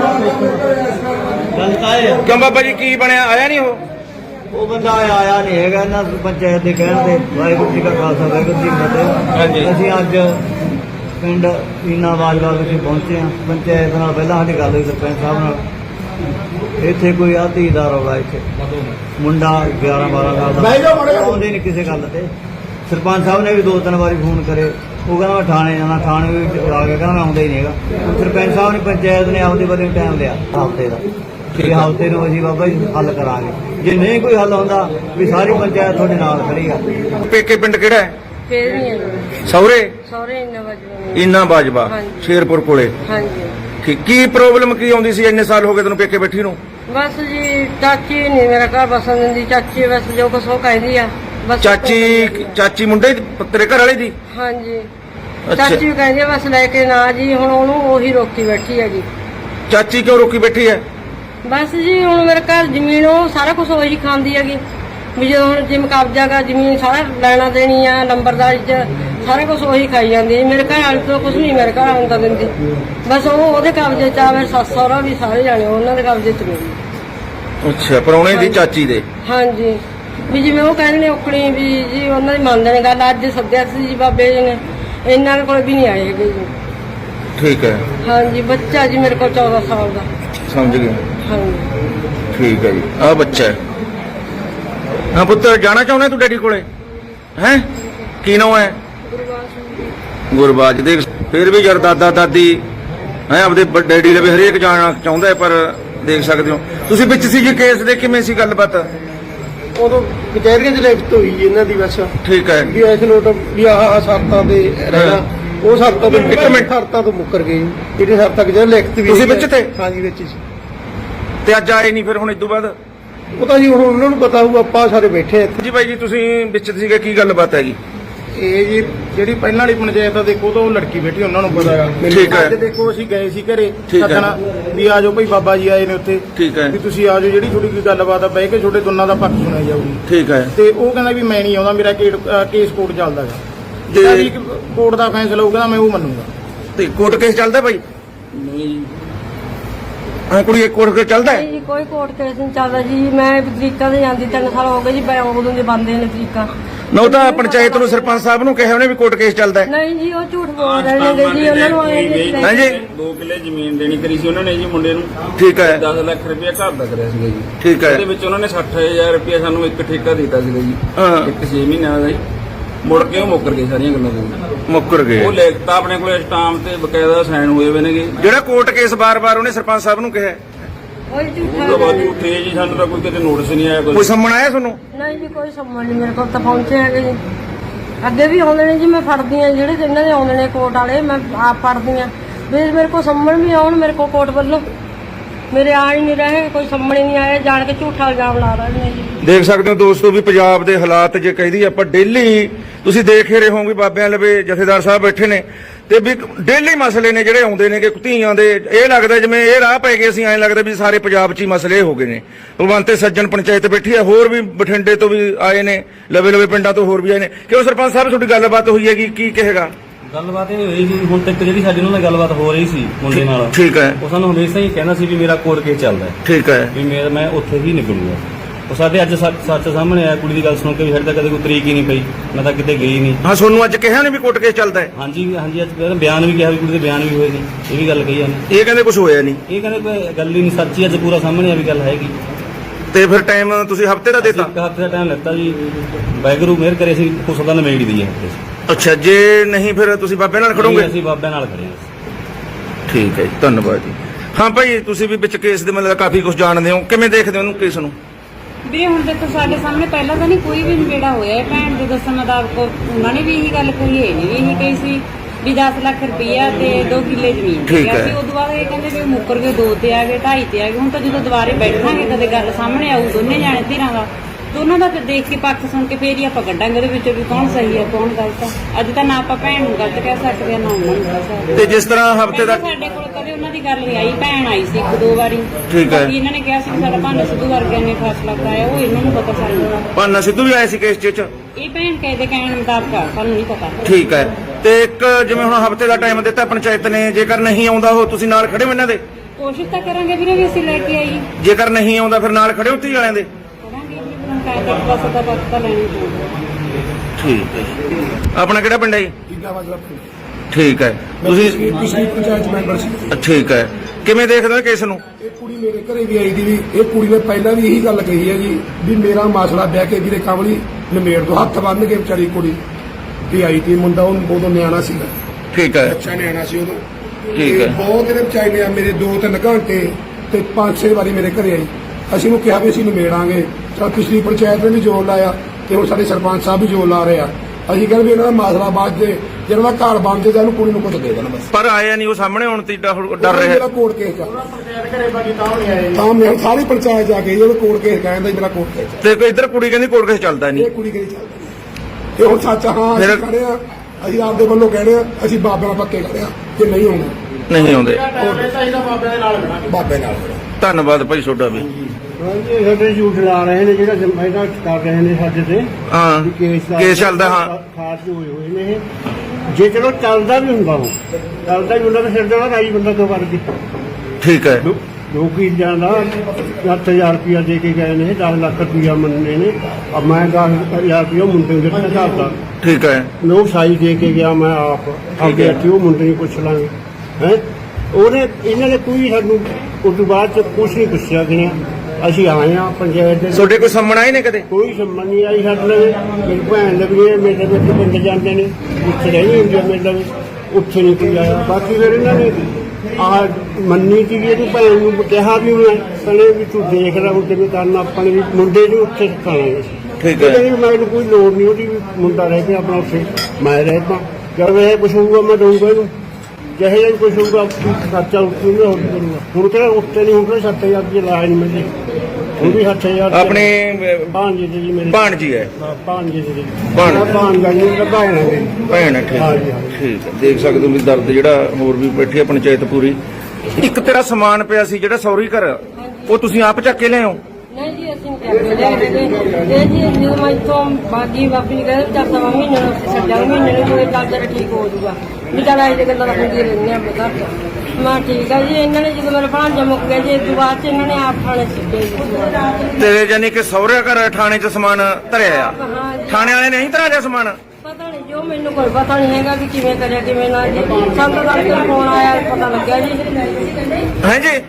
Speaker 4: ਗੱਲ ਤਾਂ ਇਹ ਆ।
Speaker 1: ਕਿਉਂ ਬਾਬਾ ਜੀ ਕੀ ਬਣਿਆ ਆਇਆ ਨਹੀਂ ਉਹ
Speaker 4: ਉਹ ਬੰਦਾ ਆਇਆ ਨਹੀਂ ਹੈਗਾ ਇਹਨਾਂ ਪੰਚਾਇਤ ਦੇ ਕਹਿਣ ਤੇ ਵਾਹਿਗੁਰੂ ਜੀ ਕਾ ਖਾਲਸਾ ਵਾਹਿਗੁਰੂ ਜੀ ਕੀ ਫਤਿਹ ਅਸੀਂ ਅੱਜ ਪਿੰਡ ਈਨਾ ਬਾਜਵਾ ਵਿਖੇ ਪਹੁੰਚੇ ਹਾਂ ਪੰਚਾਇਤ ਨਾਲ ਪਹਿਲਾਂ ਸਾਡੀ ਗੱਲ ਹੋਈ ਸਰਪੰਚ ਸਾਹਿਬ ਨਾਲ ਇੱਥੇ ਕੋਈ ਆਧੀ ਦਾ ਰੌਲਾ ਇੱਥੇ ਮੁੰਡਾ ਗਿਆਰਾਂ ਬਾਰਾਂ ਸਾਲ ਦਾ ਆਉਂਦੇ ਨਹੀਂ ਕਿਸੇ ਗੱਲ ਤੇ ਸਰਪੰਚ ਸਾਹਿਬ ਨੇ ਵੀ ਦੋ ਤਿੰਨ ਵਾਰੀ ਫੋਨ ਕਰੇ ਉਹ ਕਹਿੰਦਾ ਮੈਂ ਥਾਣੇ ਜਾਣਾ ਥਾਣੇ ਵੀ ਆ ਕੇ ਕਹਿੰਦਾ ਮੈਂ ਆਉਂਦਾ ਹੀ ਨਹੀਂ ਹੈਗਾ ਸਰਪੰਚ ਸਾਹਿਬ ਨੇ ਪੰਚਾਇਤ ਨੇ ਆਪਦੇ ਵੱਲੋਂ ਟਾਈਮ ਲਿਆ ਹਫ਼ਤੇ ਦਾ ਕਿ ਹਫ਼ਤੇ ਨੂੰ ਅਸੀਂ ਬਾਬਾ ਜੀ ਹੱਲ ਕਰਾਂਗੇ ਜੇ ਨਹੀਂ ਕੋਈ ਹੱਲ ਹੁੰਦਾ ਵੀ ਸਾਰੀ ਪੰਚਾਇਤ ਤੁਹਾਡੇ ਨਾਲ ਖੜੀ ਆ
Speaker 1: ਪੇਕੇ ਪਿੰਡ ਕਿਹੜਾ ਹੈ
Speaker 2: ਫੇਰ ਨਹੀਂ ਹੈ
Speaker 1: ਸੌਰੇ
Speaker 2: ਸਹੁਰੇ ਇੰਨਾ ਵਜੇ
Speaker 1: ਇਨਾ ਬਾਜਵਾ
Speaker 2: ਹਾਂਜੀ।
Speaker 1: ਸ਼ੇਰਪੁਰ ਕੋਲੇ
Speaker 2: ਹਾਂਜੀ
Speaker 1: ਠੀਕ ਕੀ ਪ੍ਰੋਬਲਮ ਕੀ ਆਉਂਦੀ ਸੀ ਇੰਨੇ ਸਾਲ ਹੋ ਗਏ ਤੈਨੂੰ ਪੇਕੇ ਬੈਠੀ ਨੂੰ
Speaker 2: ਬਸ ਜੀ ਚਾਚੀ ਨਹੀਂ ਮੇਰਾ ਘਰ ਬਸਣ ਦਿੰਦੀ ਚਾਚੀ ਬਸ ਜੋ ਕੁਛ ਉਹ ਕਹਿੰਦੀ ਆ ਬਸ
Speaker 1: ਚਾਚੀ ਚਾਚੀ ਮੁੰਡੇ ਦੀ ਤੇਰੇ ਘਰ ਵਾਲੇ ਦੀ
Speaker 2: ਹਾਂਜੀ
Speaker 1: ਅੱਛਾ।
Speaker 2: ਚਾਚੀ ਵੀ ਕਹਿੰਦੀ ਆ ਬਸ ਲੈ ਕੇ ਨਾ ਜੀ ਹੁਣ ਉਹਨੂੰ ਉਹੀ ਰੋਕੀ ਬੈਠੀ ਹੈਗੀ
Speaker 1: ਚਾਚੀ ਕਿਉਂ ਰੋਕੀ ਬੈਠੀ ਹੈ
Speaker 2: ਬਸ ਜੀ ਹੁਣ ਮੇਰੇ ਘਰ ਜ਼ਮੀਨ ਉਹ ਸਾਰਾ ਕੁਝ ਉਹੀ ਖਾਂਦੀ ਹੈਗੀ ਵੀ ਜਦੋਂ ਹੁਣ ਜਿਮ ਕਬਜ਼ਾਗਾ ਜ਼ਮੀਨ ਸਾਰਾ ਲੈਣਾ ਦੇਣੀ ਆ ਨੰਬਰਦਾਰੀ ਚ ਸਾਰਾ ਕੁਝ ਉਹੀ ਖਾਈ ਜਾਂਦੀ ਹੈ ਮੇਰੇ ਘਰ ਵਾਲੇ ਤੋਂ ਕੁਝ ਨਹੀਂ ਮੇਰੇ ਘਰ ਵਾਲੇ ਤਾਂ ਦਿੰਦੀ ਬਸ ਉਹ ਉਹਦੇ ਕਬਜ਼ੇ ਚ ਆ ਮੇਰੇ ਸੱਸ ਸਹੁਰਾ ਵੀ ਸਾਰੇ ਜਾਣੇ ਉਹਨਾਂ ਦੇ ਕਬਜ਼ੇ ਚ ਨਹੀਂ
Speaker 1: ਅੱਛਾ ਪਰੌਣੇ ਦੀ ਚਾਚੀ ਦੇ
Speaker 2: ਹਾਂਜੀ ਵੀ ਜਿਵੇਂ ਉਹ ਕਹਿੰਦੇ ਨੇ ਔਕਣੀ ਵੀ ਜੀ ਉਹਨਾਂ ਦੀ ਮੰਨਦੇ ਨੇ ਗੱਲ ਅੱਜ ਸੱਦਿਆ ਸੀ ਜੀ ਬਾਬੇ ਜੀ ਨੇ ਇਹਨਾਂ ਦੇ ਕੋਲ ਵੀ ਨਹੀਂ ਆਏ ਹੈਗੇ ਜੀ
Speaker 1: ਠੀਕ ਹੈ
Speaker 2: ਹਾਂਜੀ ਬੱਚਾ ਜੀ ਮੇਰੇ ਕੋਲ ਚੌਦਾਂ ਸਾਲ ਦਾ
Speaker 1: ਸਮਝ ਗਿਆ
Speaker 2: ਹਾਂਜੀ
Speaker 1: ਠੀਕ ਹੈ ਜੀ ਆ ਬੱਚਾ ਹੈ ਹਾਂ ਪੁੱਤ ਜਾਣਾ ਚਾਹੁੰਦਾ ਤੂੰ ਡੈਡੀ ਕੋਲੇ ਹੈ ਕੀ ਨਾਮ ਹੈ ਗੁਰਬਾਜ ਦੇਖ ਫਿਰ ਵੀ ਯਾਰ ਦਾਦਾ ਦਾਦੀ ਹੈ ਆਪਦੇ ਬ- ਡੈਡੀ ਲਵੇ ਹਰੇਕ ਜਾਣਾ ਚਾਹੁੰਦਾ ਹੈ, ਪਰ ਦੇਖ ਸਕਦੇ ਹੋ ਤੁਸੀਂ ਵਿੱਚ ਸੀ ਜੀ ਕੇਸ ਦੇ ਕਿਵੇਂ ਸੀ ਗੱਲਬਾਤ
Speaker 3: ਉਦੋਂ ਕਚਹਿਰੀਆਂ 'ਚ ਲਿਖਤ ਹੋਈ ਇਹਨਾਂ ਦੀ ਬਸ
Speaker 1: ਠੀਕ ਹੈ
Speaker 3: ਵੀ ਇਸ ਨੋਟ ਵੀ ਆਹ ਆਹ ਸ਼ਰਤਾਂ ਤੇ ਰਹਿਣਾ ਉਹ ਸ਼ਰਤਾਂ ਤੋਂ
Speaker 1: ਇੱਕ ਮਿੰਟ।
Speaker 3: ਸ਼ਰਤਾਂ ਤੋਂ ਮੁੱਕਰ ਗਏ ਜੀ। ਜਿਹੜੇ ਸ਼ਰਤਾਂ ਕਿ ਲਿਖਤ ਵੀ
Speaker 1: ਤੁਸੀਂ
Speaker 3: ਹੈਗੀ
Speaker 1: ਵਿੱਚ
Speaker 3: ਹੈ।
Speaker 1: ਤੇ?
Speaker 3: ਹਾਂਜੀ ਵਿੱਚ ਸੀ
Speaker 1: ਤੇ ਅੱਜ ਆਏ ਨਹੀਂ ਫਿਰ ਹੁਣ ਇਸ ਤੋਂ ਬਾਅਦ
Speaker 3: ਉਹ ਤਾਂ ਜੀ ਹੁਣ ਉਹਨਾਂ ਨੂੰ ਪਤਾ ਹੋਊ ਆਪਾਂ ਸਾਰੇ ਬੈਠੇ ਆ ਇੱਥੇ
Speaker 1: ਜੀ ਭਾਈ ਜੀ ਤੁਸੀਂ ਵਿੱਚ ਸੀਗੇ ਕੀ ਗੱਲਬਾਤ ਹੈਗੀ
Speaker 7: ਇਹ ਜੀ ਜਿਹੜੀ ਪਹਿਲਾਂ ਵਾਲੀ ਪੰਚਾਇਤ ਆ ਦੇਖੋ ਤਾਂ ਉਹ ਲੜਕੀ ਬੈਠੀ ਉਹਨਾਂ ਨੂੰ ਪਤਾ ਹੈਗਾ
Speaker 1: ਠੀਕ ਹੈ।
Speaker 7: ਅੱਜ ਦੇਖੋ ਅਸੀਂ ਗਏ ਸੀ ਘਰੇ
Speaker 1: ਠੀਕ ਹੈ।
Speaker 7: ਸੱਦਣਾ ਵੀ ਆ ਜਾਓ ਭਾਈ ਬਾਬਾ ਜੀ ਆਏ ਨੇ ਉੱਥੇ
Speaker 1: ਠੀਕ ਹੈ।
Speaker 7: ਵੀ ਤੁਸੀਂ ਆ ਜਾਓ ਜਿਹੜੀ ਥੋੜੀ ਕੋਈ ਗੱਲਬਾਤ ਆ ਬਹਿ ਕੇ ਤੁਹਾਡੇ ਦੋਨਾਂ ਦਾ ਪੱਖ ਸੁਣਿਆ ਜਾਊਗੀ
Speaker 1: ਠੀਕ ਹੈ
Speaker 7: ਤੇ ਉਹ ਕਹਿੰਦਾ ਵੀ ਮੈਂ ਨਹੀਂ ਆਉਂਦਾ ਮੇਰਾ ਕੇਟ- ਅ, ਕੇਸ ਕੋਰਟ ਚੱਲਦਾ ਹੈਗਾ
Speaker 1: ਤੇ-
Speaker 7: ਜਿਹੜਾ ਵੀ ਕੋਰਟ ਦਾ ਫੈਸਲਾ ਹੋਊਗਾ ਮੈਂ ਉਹ ਮੰਨੂਗਾ
Speaker 1: ਤੇ ਕੋਰਟ ਕੇਸ ਚੱਲਦਾ ਭਾਈ
Speaker 7: ਨਹੀਂ
Speaker 1: ਹਾਂ ਕੁੜੀ ਇੱਕ ਕੋਰਟ ਕੇਸ ਚੱਲਦਾ ਹੈ
Speaker 2: ਨਹੀਂ ਜੀ ਕੋਈ ਕੋਰਟ ਕੇਸ ਨਹੀਂ ਚੱਲਦਾ ਜੀ ਮੈਂ ਤਰੀਕਾ ਤੇ ਜਾਂਦੀ ਤਿੰਨ ਸਾਲ ਹੋ ਗਏ ਜੀ ਮੈਂ ਉਦੋਂ ਦੇ ਬੰਦੇ ਨੇ ਤਰੀਕਾ
Speaker 1: ਨਾ ਉਹ ਤਾਂ ਪੰਚਾਇਤ ਨੂੰ ਸਰਪੰਚ ਸਾਹਿਬ ਨੂੰ ਕਿਹਾ ਉਹਨੇ ਵੀ ਕੋਰਟ ਕੇਸ ਚੱਲਦਾ ਹੈ
Speaker 2: ਨਹੀਂ ਜੀ ਉਹ ਝੂਠ ਬੋਲ ਰਹੇ ਨੇ ਜੀ ਉਹਨਾਂ ਨੂੰ ਆਏ ਨਹੀਂ
Speaker 1: ਹਾਂਜੀ
Speaker 8: ਦੋ ਕਿੱਲੇ ਜ਼ਮੀਨ ਦੇਣੀ ਕਰੀ ਸੀ ਉਹਨਾਂ ਨੇ ਜੀ ਮੁੰਡੇ ਨੂੰ
Speaker 1: ਠੀਕ ਹੈ
Speaker 8: ਦਸ ਲੱਖ ਰੁਪਇਆ ਘਰ ਦਾ ਕਰਿਆ ਸੀਗਾ ਜੀ
Speaker 1: ਠੀਕ ਹੈ
Speaker 8: ਉਹਦੇ ਵਿੱਚ ਉਹਨਾਂ ਨੇ ਸੱਠ ਹਜ਼ਾਰ ਰੁਪਇਆ ਸਾਨੂੰ ਇੱਕ ਠੇਕਾ ਦਿੱਤਾ ਸੀਗਾ ਜੀ
Speaker 1: ਹਾਂ
Speaker 8: ਇੱਕ ਛੇ ਮਹੀਨਿਆਂ ਦਾ ਜੀ ਮੁੜ ਕੇ ਉਹ ਮੁੱਕਰ ਗਏ ਸਾਰੀਆਂ ਗੱਲਾਂ ਤੋਂ
Speaker 1: ਮੁੱਕਰ ਗਏ
Speaker 8: ਉਹ ਲਿਖਤਾ ਆਪਣੇ ਕੋਲੇ ਸਟਾਂਪ ਤੇ ਬਕਾਇਦਾ ਸਾਈਨ ਹੋਏ ਹੋਏ ਨੇਗੇ
Speaker 1: ਜਿਹੜਾ ਕੋਰਟ ਕੇਸ ਬਾਰ-ਬਾਰ ਉਹਨੇ ਸਰਪੰਚ ਸਾਹਿਬ ਨੂੰ ਕਿਹਾ
Speaker 2: ਕੋਈ ਝੂਠਾ
Speaker 8: ਉਹ ਤੋਂ ਬਾਅਦ ਝੂਠੇ ਜੀ ਸਾਨੂੰ ਤਾਂ ਕੋਈ ਕਿਤੇ ਨੋਟਿਸ ਨਹੀਂ ਆਇਆ
Speaker 1: ਕੋਈ
Speaker 8: ਕੋਈ
Speaker 1: ਸੰਮਣ ਆਇਆ ਤੁਹਾਨੂੰ
Speaker 2: ਨਹੀਂ ਜੀ ਕੋਈ ਸੰਮਣ ਨਹੀਂ ਮੇਰੇ ਕੋਲ ਤਾਂ ਪਹੁੰਚੇ ਹੈਗੇ ਜੀ ਅੱਗੇ ਵੀ ਆਉਂਦੇ ਨੇ ਜੀ ਮੈਂ ਫੜਦੀ ਆ ਜਿਹੜੇ ਇਹਨਾਂ ਦੇ ਆਉਂਦੇ ਨੇ ਕੋਰਟ ਵਾਲੇ ਮੈਂ ਆਪ ਫੜਦੀ ਆ ਵੀ ਮੇਰੇ ਕੋਲ ਸੰਮਣ ਵੀ ਆਉਣ ਮੇਰੇ ਕੋਲ ਕੋਰਟ ਵੱਲੋਂ ਮੇਰੇ ਆ ਹੀ ਨਹੀਂ ਰਹੇ ਕੋਈ ਸੰਮਣ ਹੀ ਨਹੀਂ ਆਇਆ ਜਾਣ ਕੇ ਝੂਠਾ ਇਲਜ਼ਾਮ ਲਾ ਰਹੇ ਨੇ ਜੀ
Speaker 1: ਦੇਖ ਸਕਦੇ ਹੋ ਦੋਸਤੋ ਵੀ ਪੰਜਾਬ ਦੇ ਹਾਲਾਤ ਜੇ ਕਹਿੰਦੀ ਆਪਾਂ ਡੇਲੀ ਤੁਸੀਂ ਦੇਖ ਹੀ ਰਹੇ ਹੋ ਵੀ ਬਾਬਿਆਂ ਲਵੇ ਜਥੇਦਾਰ ਸਾਹਿਬ ਬੈਠੇ ਨੇ ਤੇ ਵੀ ਡੇਲੀ ਮਸਲੇ ਨੇ ਜਿਹੜੇ ਆਉਂਦੇ ਨੇ ਕਿ ਧੀਆਂ ਦੇ ਇਹ ਲੱਗਦਾ ਜਿਵੇਂ ਇਹ ਰਾਹ ਪੈ ਗਏ ਅਸੀਂ ਐਂ ਲੱਗਦਾ ਵੀ ਸਾਰੇ ਪੰਜਾਬ 'ਚ ਹੀ ਮਸਲੇ ਹੋ ਗਏ ਨੇ ਭਗਵੰਤੇ ਸੱਜਣ ਪੰਚਾਇਤ ਬੈਠੀ ਆ ਹੋਰ ਵੀ ਬਠਿੰਡੇ ਤੋਂ ਵੀ ਆਏ ਨੇ ਲਵੇ ਲਵੇ ਪਿੰਡਾਂ ਤੋਂ ਹੋਰ ਵੀ ਆਏ ਨੇ ਕਿਉਂ ਸਰਪੰਚ ਸਾਹਿਬ ਤੁਹਾਡੀ ਗੱਲਬਾਤ ਹੋਈ ਹੈਗੀ ਕੀ ਕਹੇਗਾ
Speaker 9: ਗੱਲਬਾਤ ਇਹ ਹੋਈ ਸੀ ਹੁਣ ਤੱਕ ਜਿਹੜੀ ਸਾਡੀ ਨਾਲ ਗੱਲਬਾਤ ਹੋ ਰਹੀ ਸੀ ਮੁੰਡੇ ਨਾਲ
Speaker 1: ਠੀਕ ਹੈ
Speaker 9: ਉਹ ਸਾਨੂੰ ਹਮੇਸ਼ਾ ਹੀ ਕਹਿੰਦਾ ਸੀ ਵੀ ਮੇਰਾ ਕੋਰਟ ਕੇਸ ਚੱਲਦਾ ਹੈ
Speaker 1: ਠੀਕ ਹੈ
Speaker 9: ਵੀ ਮੇਰਾ ਮੈਂ ਉੱਥੇ ਹੀ ਨਿਕਲੂਗਾ ਉਹ ਸਾਡੇ ਅੱਜ ਸੱਚ ਸੱਚ ਸਾਹਮਣੇ ਆਇਆ ਕੁੜੀ ਦੀ ਗੱਲ ਸੁਣ ਕੇ ਵੀ ਸਾਡੇ ਤਾਂ ਕਦੇ ਕੋਈ ਤਰੀਕ ਹੀ ਨਹੀਂ ਪਈ ਮੈਂ ਤਾਂ ਕਿਤੇ ਗਈ ਨਹੀਂ
Speaker 1: ਹਾਂ ਸੋਨੂੰ ਅੱਜ ਕਿਹਾ ਨੇ ਵੀ ਕੋਰਟ ਕੇਸ ਚੱਲਦਾ ਹੈ
Speaker 9: ਹਾਂਜੀ ਹਾਂਜੀ ਅੱਜ ਪਹਿਲਾਂ ਬਿਆਨ ਵੀ ਕਿਹਾ ਵੀ ਕੁੜੀ ਦੇ ਬਿਆਨ ਵੀ ਹੋਏ ਨੇ ਇਹ ਵੀ ਗੱਲ ਕਹੀ ਉਹਨੇ
Speaker 1: ਇਹ ਕਹਿੰਦੇ ਕੁਝ ਹੋਇਆ ਨਹੀਂ
Speaker 9: ਇਹ ਕਹਿੰਦੇ ਕੋਈ ਗੱਲ ਹੀ ਨਹੀਂ ਸੱਚੀ ਅੱਜ ਪੂਰਾ ਸਾਹਮਣੇ ਆ ਵੀ ਗੱਲ ਹੈਗੀ
Speaker 1: ਤੇ ਫਿਰ ਟਾਈਮ ਤੁਸੀਂ ਹਫਤੇ ਦਾ
Speaker 9: ਅਸੀਂ
Speaker 1: ਦਿੱਤਾ
Speaker 9: ਇੱਕ ਹਫ਼ਤੇ ਦਾ ਟਾਈਮ ਲੈਤਾ ਜੀ ਵਾਹਿਗੁਰੂ ਮਿਹਰ ਕਰੇ ਅਸੀਂ ਹੋ ਸਕਦਾ ਨਿਬੇੜ ਦਈਏ ਹਫ਼ਤੇ 'ਚ।
Speaker 1: ਅੱਛਾ ਜੇ ਨਹੀਂ ਫਿਰ ਤੁਸੀਂ ਬਾਬੇ ਨਾਲ ਖੜੋਗੇ
Speaker 9: ਅਸੀਂ ਬਾਬਿਆਂ ਨਾਲ ਖੜੇ ਹਾਂ
Speaker 1: ਠੀਕ ਹੈ ਜੀ ਧੰਨਵਾਦ ਜੀ ਹਾਂ ਭਾਈ ਤੁਸੀਂ ਵੀ ਵਿੱਚ ਕੇਸ ਦੇ ਮਤਲਬ ਕਾਫੀ ਕੁਝ ਜਾਣਦੇ ਹੋ ਕਿਵੇਂ ਦੇਖਦੇ ਹੋ ਉਹਨੂੰ ਕੇਸ ਨੂੰ
Speaker 10: ਵੀਰੇ ਹੁਣ ਦੇਖੋ ਸਾਡੇ ਸਾਹਮਣੇ ਪਹਿਲਾਂ ਤਾਂ ਨਹੀਂ ਕੋਈ ਵੀ ਨਿਬੇੜਾ ਹੋਇਆ ਹੈ ਭੈਣ ਦੇ ਦੱਸਣ ਮੁਤਾਬਕ ਉਹਨਾਂ ਨੇ ਵੀ ਇਹੀ ਗੱਲ ਕਹੀ ਹੈ ਨਹੀਂ ਵੀ ਇਹੀ ਕਹੀ ਸੀ ਵੀ ਦਸ ਲੱਖ ਰੁਪਈਆ ਤੇ ਦੋ ਕਿੱਲੇ ਜ਼ਮੀਨ
Speaker 1: ਠੀਕ ਹੈ।
Speaker 10: ਅਸੀਂ ਉਦੋਂ ਬਾਅਦ ਇਹ ਕਹਿੰਦੇ ਵੀ ਮੁੱਕਰ ਗਏ, ਦੋ ਤੇ ਆ ਗਏ, ਢਾਈ ਤੇ ਆ ਗਏ। ਹੁਣ ਤਾਂ ਜਦੋਂ ਦੁਬਾਰੇ ਬੈਠਾਂਗੇ ਕਦੇ ਗੱਲ ਸਾਹਮਣੇ ਆਊ ਦੋਨੇ ਜਾਣੇ ਧਿਰਾਂ ਦਾ, ਦੋਨਾਂ ਦਾ ਫਿਰ ਦੇਖ ਕੇ ਪੱਖ ਸੁਣ ਕੇ ਫੇਰ ਹੀ ਆਪਾਂ ਕੱਢਾਂਗੇ ਉਹਦੇ ਵਿੱਚੋਂ ਵੀ ਕੌਣ ਸਹੀ ਹੈ ਕੌਣ ਗਲਤ ਹੈ। ਅੱਜ ਤਾਂ ਨਾ ਆਪਾਂ ਭੈਣ ਨੂੰ ਗਲਤ ਕਹਿ ਸਕਦੇ ਹਾਂ ਨਾ ਉਹਨਾਂ ਨੂੰ ਕਹਿ ਸਕਦੇ
Speaker 1: ਤੇ ਜਿਸ ਤਰ੍ਹਾਂ ਹਫਤੇ ਦਾ
Speaker 10: ਸਾਡੇ ਕੋਲ ਕਦੇ ਉਹਨਾਂ ਦੀ ਗੱਲ ਨਹੀਂ ਆਈ, ਭੈਣ ਆਈ ਸੀ ਇੱਕ ਦੋ ਵਾਰੀ।
Speaker 1: ਠੀਕ ਹੈ।
Speaker 10: ਬਾਕੀ ਇਹਨਾਂ ਨੇ ਕਿਹਾ ਸੀ ਵੀ ਸਾਡਾ ਭਾਨਾ ਸਿੱਧੂ ਵਰਗਿਆਂ ਨੇ ਫੈਸਲਾ ਕਰਾਇਆ, ਉਹ ਇਹਨਾਂ ਨੂੰ ਪਤਾ ਸਾਨੂੰ।
Speaker 1: ਭਾਨਾ ਸਿੱਧੂ ਵੀ ਆਏ ਸੀ ਕੇਸ 'ਚ?
Speaker 10: ਇਹ ਭੈਣ ਕਹੇ ਦੇ ਕਹਿਣ ਮੁਤਾਬਕ ਆ, ਸਾਨੂੰ ਨਹੀਂ ਪਤਾ।
Speaker 1: ਠੀਕ ਹੈ। ਤੇ ਇੱਕ ਜਿਵੇਂ ਹੁਣ ਹਫਤੇ ਦਾ ਟਾਈਮ ਦਿੱਤਾ ਪੰਚਾਇਤ ਨੇ, ਜੇਕਰ ਨਹੀਂ ਆਉਂਦਾ ਉਹ ਤੁਸੀਂ ਨਾਲ ਖੜੇ ਹੋ ਇਹਨਾਂ ਦੇ?
Speaker 10: ਕੋਸ਼ਿਸ਼ ਤਾਂ ਕਰਾਂਗੇ ਵੀਰੇ ਵੀ ਅਸੀਂ ਲੈ ਕੇ ਆਈਏ।
Speaker 1: ਜੇਕਰ ਨਹੀਂ ਆਉਂਦਾ ਫਿਰ ਨਾਲ ਖੜੇ ਹੋ ਤੀਹ ਵਾਲਿਆਂ ਦੇ?
Speaker 10: ਕਰਾਂਗੇ ਵੀਰੇ, ਪੰਚਾਇਤ ਦਾ ਬਸ ਦਾ ਵਕਤ ਤਾਂ ਲੈਣੀ ਪਊਗਾ।
Speaker 1: ਠੀਕ ਹੈ ਜੀ। ਆਪਣਾ ਕਿਹੜਾ ਪਿੰਡ ਹੈ ਜੀ?
Speaker 3: ਕਿੱਦਾਂ ਮਤਲਬ
Speaker 1: ਠੀਕ ਹੈ।
Speaker 3: ਤੁਸੀਂ
Speaker 1: ਤੁਸੀਂ
Speaker 3: ਪਿਛਲੀ ਪੰਚਾਇਤ ਮੈਂਬਰ ਸੀ।
Speaker 1: ਠੀਕ ਹੈ। ਕਿਵੇਂ ਦੇਖਦੇ ਹੋ ਕੇਸ ਨੂੰ?
Speaker 3: ਇਹ ਕੁੜੀ ਮੇਰੇ ਘਰੇ ਵੀ ਆਈ ਦੀ ਵੀ ਇਹ ਕੁੜੀ ਨੇ ਪਹਿਲਾਂ ਵੀ ਇਹੀ ਗੱਲ ਕਹੀ ਹੈ ਜੀ ਵੀ ਮੇਰਾ ਮਸਲਾ ਬਹਿ ਕੇ ਵੀਰੇ ਕਮਲੀ ਨਿਮੇੜ ਤੋਂ ਹੱਥ ਬੰਨ੍ਹ ਕੇ ਵਿਚਾਰੀ ਕੁੜੀ ਵੀ ਆਈ ਤੀ। ਮੁੰਡਾ ਉਹ ਉਦੋਂ ਨਿਆਣਾ ਸੀਗਾ,
Speaker 1: ਠੀਕ ਹੈ।
Speaker 3: ਬੱਚਾ ਨਿਆਣਾ ਸੀ ਉਦੋਂ।
Speaker 1: ਠੀਕ
Speaker 3: ਤੇ
Speaker 1: ਹੈ।
Speaker 3: ਬਹੁਤ ਇਹਦੇ ਵਿਚਾਰੇ ਨੇ ਮੇਰੇ ਦੋ ਤਿੰਨ ਘੰਟੇ ਤੇ ਪੰਜ ਛੇ ਵਾਰੀ ਮੇਰੇ ਘਰੇ ਆਈ। ਅਸੀਂ ਉਹਨੂੰ ਕਿਹਾ ਵੀ ਅਸੀਂ ਨਿਮੇੜਾਂਗੇ। ਚਲ ਪਿਛਲੀ ਪੰਚਾਇਤ ਨੇ ਵੀ ਜ਼ੋਰ ਲਾਇਆ ਤੇ ਹੁਣ ਸਾਡੇ ਸਰਪੰਚ ਸਾਹਿਬ ਵੀ ਜ਼ੋਰ ਲਾ ਰਹੇ ਆ। ਅਸੀਂ ਕਹਿੰਦੇ ਵੀ ਇਹਨਾਂ ਦਾ ਮਸਲਾ ਬਾਅਦ ਜੇ ਜਿਹੜਾ ਘਰ ਬਣ ਜੇ ਜਾਂ ਇਹਨੂੰ ਕੁੜੀ ਨੂੰ ਕੁਝ ਦੇ ਦੇਣ ਬਸ।
Speaker 1: ਪਰ ਆਇਆ ਨਹੀਂ ਉਹ ਸਾਹਮਣੇ ਹੁਣ ਤੀ ਡਰ
Speaker 3: ਮੇਰਾ
Speaker 1: ਰਿਹਾ।
Speaker 3: ਕੋਰਟ ਕੇਸ ਆ ਤਾਂ ਮੈਂ ਸਾਰੀ ਪੰਚਾਇਤ ਜਾ ਕੇ ਉਹ ਕੋਰਟ ਕੇਸ ਕਹਿੰਦਾ ਮੇਰਾ ਕੋਰਟ ਕੇਸ ਆ।
Speaker 1: ਤੇ ਕੋਈ ਇੱਧਰ ਕੁੜੀ ਕਹਿੰਦੀ ਕੋਰਟ ਕੇਸ ਚੱਲਦਾ ਨਹੀਂ।
Speaker 3: ਇਹ ਕੁੜੀ ਕਿਹੜੀ ਚੱਲਦੀ ਤੇ ਹੁਣ ਸੱਚ ਹਾਂ ਅਸੀਂ
Speaker 1: ਫਿਰ-
Speaker 3: ਖੜੇ ਆ, ਅਸੀਂ ਆਪਦੇ ਵੱਲੋਂ ਕਹਿ ਰਹੇ ਆ, ਅਸੀਂ ਬਾਬੇ ਨਾਲ ਪੱਕੇ ਖੜੇ ਆ ਕਿ ਨਹੀਂ ਆਉਣਾ
Speaker 1: ਨਹੀਂ ਆਉਂਦੇ।
Speaker 3: ਬਾਬੇ ਨਾਲ।
Speaker 1: ਧੰਨਵਾਦ ਭਾਈ ਤੁਹਾਡਾ ਵੀ।
Speaker 4: ਹਾਂਜੀ ਸਾਡੇ ਝੂਠ ਲਾ ਰਹੇ ਨੇ, ਜਿਹੜਾ ਜਮਾਇਦਾ ਕਰ ਰਹੇ ਨੇ ਸਾਡੇ ਤੇ
Speaker 1: ਹਾਂ
Speaker 4: ਵੀ ਕੇਸ ਦਾ-
Speaker 1: ਕੇਸ ਚੱਲਦਾ। ਹਾਂ
Speaker 4: ਖਾਰਜ ਹੋਏ ਹੋਏ ਨੇ ਇਹ। ਜੇ ਚਲੋ ਚੱਲਦਾ ਵੀ ਹੁੰਦਾ ਉਹ ਚੱਲਦਾ ਵੀ ਹੁੰਦਾ ਤਾਂ ਫਿਰ ਦੇਣਾ ਰਾਜੀ ਬੰਦਾ ਕਿਉਂ ਵੜ ਕੇ
Speaker 1: ਠੀਕ ਹੈ।
Speaker 4: ਲੋਕੀ ਜਾਂਦਾ ਸੱਤ ਹਜ਼ਾਰ ਰੁਪਇਆ ਦੇ ਕੇ ਗਏ ਨੇ, ਦਸ ਲੱਖ ਰੁਪਇਆ ਮੰਨੇ ਨੇ। ਅਬ ਮੈਂ ਦਸ ਹਜ਼ਾਰ ਰੁਪਇਆ ਮੁੰਡੇ ਨੂੰ ਦਿੱਤਾ ਹਿਸਾਬ ਦਾ
Speaker 1: ਠੀਕ ਹੈ।
Speaker 4: ਲੋਕ ਸਾਈ ਦੇ ਕੇ ਗਿਆ। ਮੈਂ ਆਪ ਅੱਗੇ
Speaker 1: ਹੈ।
Speaker 4: ਅੱਠੀ ਉਹ ਮੁੰਡੇ ਨੂੰ ਪੁੱਛ ਲਾਂਗੇ ਹੈ। ਉਹਨੇ ਇਹਨਾਂ ਨੇ ਕੋਈ ਸਾਨੂੰ ਉਸ ਤੋਂ ਬਾਅਦ ਚ ਕੁਛ ਨਹੀਂ ਪੁੱਛਿਆ ਗਿਆ। ਅਸੀਂ ਆਏ ਆ ਪੰਚਾਇਤ ਦੇ,
Speaker 1: ਤੁਹਾਡੇ ਕੋਈ ਸੰਮਣ ਆਏ ਨੇ ਕਦੇ?
Speaker 4: ਕੋਈ ਸੰਮਨ ਨਹੀਂ ਆਈ ਸਾਡੇ ਲਈ। ਮੇਰੀ ਭੈਣ ਲੱਗੀ ਮੇਰੇ ਵਿੱਚ ਪਿੰਡ ਜਾਂਦੇ ਨੇ, ਉੱਥੇ ਰਹੀ ਹੁੰਦੀ ਆ ਮੇਰੇ ਲਈ, ਉੱਥੇ ਨਹੀਂ ਕੋਈ ਆਇਆ। ਬਾਕੀ ਫਿਰ ਇਹਨਾਂ ਨੇ ਆਹ ਮੰਨੀ ਸੀ ਇਹਦੀ ਭੈਣ ਨੂੰ ਕਿਹਾ ਵੀ ਮੈਂ ਕਹਿੰਦੇ ਵੀ ਤੂੰ ਦੇਖ ਲੈ ਹੁਣ ਕਿਵੇਂ ਕਰਨਾ, ਆਪਣੇ ਵੀ ਮੁੰਡੇ ਨੂੰ ਉੱਥੇ ਸਿਖਾਵਾਂਗੇ।
Speaker 1: ਠੀਕ ਹੈ।
Speaker 4: ਕਹਿੰਦੀ ਮੈਨੂੰ ਕੋਈ ਲੋੜ ਨਹੀਂ ਉਹਦੀ, ਵੀ ਮੁੰਡਾ ਰਹਿ ਕੇ ਆਪਣਾ ਉੱਥੇ ਮੈਂ ਰਹਿ ਪਾ। ਜਦ ਇਹ ਕੁਛ ਹੋਊਗਾ ਮੈਂ ਦਊਂਗਾ ਇਹਨੂੰ, ਜਿਹੇ ਜਿਹੇ ਕੁਛ ਹੋਊਗਾ ਖਰਚਾ ਉੱਥੇ ਨਹੀਂ ਹੋਰ ਕਰੂਗਾ। ਹੁਣ ਕਿਹੜਾ ਉੱਤੇ ਨਹੀਂ, ਹੁਣ ਕਿਹੜਾ ਸੱਤ ਹਜ਼ਾਰ ਰੁਪਏ ਲਾਇਆ ਨਹੀਂ ਮਿਲਦੇ, ਹੁਣ ਵੀ ਸੱਤ ਹਜ਼ਾਰ
Speaker 1: ਆਪਣੇ
Speaker 4: ਭਾਂਜੀ ਦੇ ਜੀ ਮੇਰੇ
Speaker 1: ਭਾਣਜੀ ਹੈ।
Speaker 4: ਭਾਂਜੀ ਦੇ
Speaker 1: ਭਾਣ-
Speaker 4: ਭਾਂਜਾ ਜੀ ਦਾ ਭੈਣ ਹੈ।
Speaker 1: ਭੈਣ ਹੈ। ਠੀਕ
Speaker 4: ਹਾਂਜੀ,
Speaker 1: ਹੈ।
Speaker 4: ਹਾਂਜੀ।
Speaker 1: ਠੀਕ ਹੈ। ਦੇਖ ਸਕਦੇ ਹੋ ਵੀ ਦਰਦ ਜਿਹੜਾ ਹੋਰ ਵੀ ਬੈਠੀ ਹੈ ਪੰਚਾਇਤ ਪੂਰੀ। ਇੱਕ ਤੇਰਾ ਸਮਾਨ ਪਿਆ ਸੀ ਜਿਹੜਾ ਸੌਰੀ ਘਰ, ਉਹ ਤੁਸੀਂ ਆਪ ਚੱਕ ਕੇ ਲਿਆਏ ਹੋ?
Speaker 2: ਨਹੀਂ ਜੀ ਅਸੀਂ ਨਹੀਂ ਕਰਦੇ ਇਹ ਜੀ ਜਦੋਂ ਮੈਂ ਇੱਥੋਂ ਬਾਗੀ ਵਾਪੀ ਗਏ ਚਾਰ ਸਵਾ ਮਹੀਨੇ ਨੂੰ ਛੱਡਿਆ ਮਹੀਨੇ ਨੂੰ ਜੋ ਚੱਲ ਜਰਾ ਠੀਕ ਹੋ ਜਾਊਗਾ ਵੀ ਚੱਲ ਆਏ ਦੇ ਗੱਲਾਂ ਦਾ ਹੁੰਦੀ ਰਹਿੰਦੀਆਂ ਆਪਣੇ ਘਰ ਚ। ਮੈਂ ਠੀਕ ਆ ਜੀ। ਇਹਨਾਂ ਨੇ ਜਦੋਂ ਮੇਰੇ ਭਾਂਜਾ ਮੁੱਕ ਗਿਆ ਜੀ ਇਸ ਤੋਂ ਬਾਅਦ ਚ ਇਹਨਾਂ ਨੇ ਆਪ ਥਾਣੇ ਸਿੱਟੇ ਜੀ।
Speaker 1: ਤੇ ਯਾਨੀ ਕਿ ਸਹੁਰੇ ਘਰ ਥਾਣੇ 'ਚ ਸਮਾਨ ਧਰਿਆ ਆ?
Speaker 2: ਹਾਂ ਜੀ।
Speaker 1: ਥਾਣੇ ਵਾਲੇ ਨੇ ਨਹੀਂ ਧਰਿਆ ਸਮਾਨ?
Speaker 2: ਪਤਾ ਨਹੀਂ ਜੋ ਮੈਨੂੰ ਕੋਈ ਪਤਾ ਨਹੀਂ ਹੈਗਾ ਵੀ ਕਿਵੇਂ ਕਰਿਆ ਕਿਵੇਂ ਨਾ ਜੀ। ਸਾਨੂੰ ਤਾਂ ਕੱਲ ਫੋਨ ਆਇਆ ਪਤਾ ਲੱਗਿਆ ਜੀ।
Speaker 1: ਹਾਂਜੀ।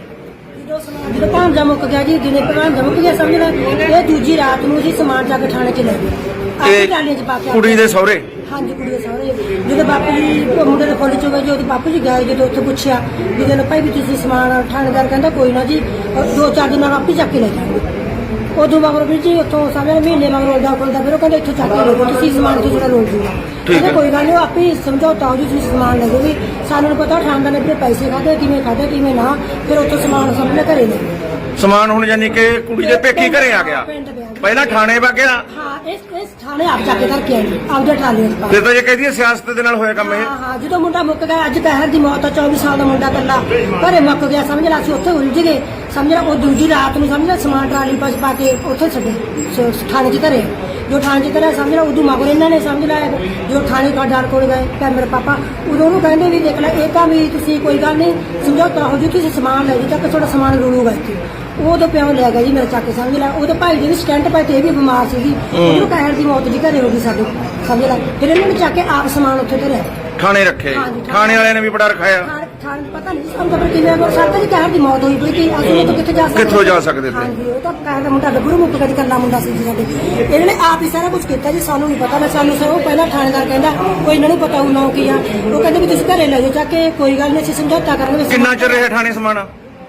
Speaker 11: ਜਦੋਂ ਭਾਂਜਾ ਮੁੱਕ ਗਿਆ ਜੀ, ਦਿਨੇ ਭਾਂਜਾ ਮੁੱਕ ਗਿਆ ਸਮਝ ਲੈ। ਇਹ ਦੂਜੀ ਰਾਤ ਨੂੰ ਅਸੀਂ ਸਮਾਨ ਚੱਕ ਕੇ ਥਾਣੇ ਚ ਲੈ ਗਏ, ਆਪਣੀ ਟਾਲੀਆਂ ਚ ਪਾ ਕੇ।
Speaker 1: ਕੁੜੀ ਦੇ ਸਹੁਰੇ?
Speaker 11: ਹਾਂਜੀ ਕੁੜੀ ਦੇ ਸਹੁਰੇ। ਜਦੋਂ ਬਾਪੂ ਜੀ ਉਹ ਮੁੰਡੇ ਦੇ ਫੁੱਲ ਚੋਂ ਗਏ ਜੀ, ਉਹਦੇ ਬਾਪੂ ਜੀ ਗਏ ਜਦੋਂ ਉੱਥੇ ਪੁੱਛਿਆ ਵੀ ਜਦੋਂ ਭਾਈ ਵੀ ਤੁਸੀਂ ਸਮਾਨ, ਥਾਣੇਦਾਰ ਕਹਿੰਦਾ ਕੋਈ ਨਾ ਜੀ ਦੋ ਚਾਰ ਦਿਨ ਨਾਲ ਆਪੇ ਚੱਕ ਕੇ ਲੈ ਜਾਣਗੇ। ਉਦੋਂ ਮਗਰੋਂ ਵੀ ਜੀ ਉੱਥੋਂ ਸਮਝ ਮਹੀਨੇ ਮਗਰੋਂ ਦਾ ਖੁੱਲਦਾ, ਫਿਰ ਉਹ ਕਹਿੰਦੇ ਇੱਥੋਂ ਚੱਕ ਕੇ ਲੈ ਜਾਓ ਤੁਸੀਂ ਸਮਾਨ, ਤੋਂ ਜਿਹੜਾ ਰੋਲ ਜੂਗਾ। ਕਹਿੰਦੇ ਕੋਈ ਗੱਲ ਨਹੀਂ, ਉਹ ਆਪੇ ਸਮਝੌਤਾ ਹੋ ਜੀ, ਤੁਸੀਂ ਸਮਾਨ ਲੈ ਜਾਓ। ਵੀ ਸਾਨੂੰ ਪਤਾ ਥਾਣੇਦਾਰ ਨੇ ਵੀ ਪੈਸੇ ਖਾਦੇ ਕਿਵੇਂ ਖਾਦੇ ਕਿਵੇਂ ਨਾ, ਫਿਰ ਉੱਥੋਂ ਸਮਾਨ ਸਾਹਮਣੇ ਘਰੇ ਲੈ ਗਏ।
Speaker 1: ਸਮਾਨ ਹੁਣ ਯਾਨੀ ਕਿ ਕੁੜੀ ਦੇ ਪੇਕੀ ਘਰੇ ਆ ਗਿਆ, ਪਹਿਲਾਂ ਥਾਣੇ ਵਗ ਗਿਆ।
Speaker 11: ਹਾਂ ਇਸ ਇਸ ਥਾਣੇ ਆਪ ਜਾ ਕੇ ਧਰ ਕੇ ਆਏ ਆਪਦੇ ਟਰਾਲੀਆਂ ਚ ਪਾ ਕੇ।
Speaker 1: ਫਿਰ ਤਾਂ ਜੇ ਕਹਿੰਦੀ ਹੈ ਸਿਆਸਤ ਦੇ ਨਾਲ ਹੋਇਆ ਕੰਮ ਇਹ।
Speaker 11: ਹਾਂ ਹਾਂ ਜਦੋਂ ਮੁੰਡਾ ਮੁੱਕ ਗਿਆ, ਅੱਜ ਕਹਿਰ ਦੀ ਮੌਤ ਆ, ਚੌਵੀ ਸਾਲ ਦਾ ਮੁੰਡਾ ਕੱਲਾ ਘਰੇ ਮੁੱਕ ਗਿਆ ਸਮਝ ਲਾ। ਅਸੀਂ ਉੱਥੇ ਉਲਝ ਗਏ ਸਮਝ ਲਾ। ਉਹ ਦੂਜੀ ਰਾਤ ਨੂੰ ਸਮਝ ਲਾ ਸਮਾਨ ਟਰਾਲੀ ਪਾਸ ਪਾ ਕੇ ਉੱਥੇ ਛੱਡੇ ਸ- ਥਾਣੇ ਚ ਧਰੇ। ਜੋ ਥਾਣੇ ਚ ਧਰਿਆ ਸਮਝ ਲਾ, ਉਦੋਂ ਮਗਰ ਇਹਨਾਂ ਨੇ ਸਮਝ ਲਾ ਜੋ ਥਾਣੇ ਕਾਡਾਰ ਕੋਲ ਗਏ ਕਹਿ ਮੇਰੇ ਪਾਪਾ ਉਦੋਂ ਉਹਨੂੰ ਕਹਿੰਦੇ ਵੀ ਦੇਖ ਲੈ ਇਹ ਤਾਂ ਵੀ ਤੁਸੀਂ ਕੋਈ ਗੱਲ ਨਹੀਂ ਸਮਝੌਤਾ ਹੋ ਜੂ, ਤੁਸੀਂ ਸਮਾਨ ਲੈ ਜੀ ਤੱਕ ਤੁਹਾਡਾ ਸਮਾਨ ਰੁਲੂਗਾ ਇੱਥੇ। ਉਹਦੇ ਪਿਓ ਲੈ ਗਿਆ ਜੀ ਮੇਰੇ ਚੱਕ ਕੇ ਸਮਝ ਲਾ। ਉਹਦੇ ਭਾਈ ਦੇ ਵੀ ਸਟੈਂਟ ਪਏ ਤੇ ਇਹ ਵੀ ਬਿਮਾਰ ਸੀਗੀ, ਉਹਨੂੰ ਕਹਿਰ ਦੀ ਮੌਤ ਜੀ ਘਰੇ ਹੋ ਗਈ ਸਾਡੇ ਸਮਝ ਲਾ। ਫਿਰ ਇਹਨਾਂ ਨੇ ਚੱਕ ਕੇ ਆਪ ਸਮਾਨ ਉੱਥੇ ਧਰਿਆ,
Speaker 1: ਥਾਣੇ ਰੱਖੇ।
Speaker 11: ਹਾਂਜੀ,
Speaker 1: ਥਾਣੇ ਵਾਲਿਆਂ ਨੇ ਵੀ ਬੜਾ ਰਖਾਇਆ।
Speaker 11: ਥਾਣੇ ਥਾਣੇ ਪਤਾ ਨਹੀਂ ਸਾਨੂੰ ਤਾਂ ਫਿਰ ਕਿਵੇਂ ਅਗਰ ਸਾਡਾ ਜੀ ਕਹਿਰ ਦੀ ਮੌਤ ਹੋਈ ਪਈ ਕਿ ਅਸੀਂ ਉਹ ਤੋਂ ਕਿੱਥੇ ਜਾ ਸਕਦੇ
Speaker 1: ਕਿੱਥੋਂ ਜਾ ਸਕਦੇ ਤੇ?
Speaker 11: ਹਾਂਜੀ ਉਹ ਤਾਂ ਕਹਿਰ ਦਾ ਮੁੰਡਾ ਗੱਭਰੂ ਮੁੱਕ ਗਿਆ ਜੀ, ਕੱਲਾ ਮੁੰਡਾ ਸੀ ਜੀ ਸਾਡੇ। ਇਹਨਾਂ ਨੇ ਆਪ ਹੀ ਸਾਰਾ ਕੁਝ ਕੀਤਾ ਜੀ, ਸਾਨੂੰ ਨਹੀਂ ਪਤਾ। ਮੈਂ ਸਾਨੂੰ ਸਰ ਉਹ ਪਹਿਲਾਂ ਥਾਣੇਦਾਰ ਕਹਿੰਦਾ ਕੋਈ ਇਹਨਾਂ ਨੂੰ ਪਤਾ ਹੋਊ ਨਾ ਕੀ ਆ। ਉਹ ਕਹਿੰਦੇ ਵੀ ਤੁਸੀਂ ਘਰੇ ਲੈ ਜਾਓ ਚੱਕ ਕੇ, ਕੋਈ ਗੱਲ ਨਹੀਂ ਅਸੀਂ ਸਮਝੌਤਾ ਕਰਾਂਗੇ।
Speaker 1: ਕਿੰਨਾ ਚਿਰ ਰਿਹਾ ਥਾਣੇ ਸਮਾਨ?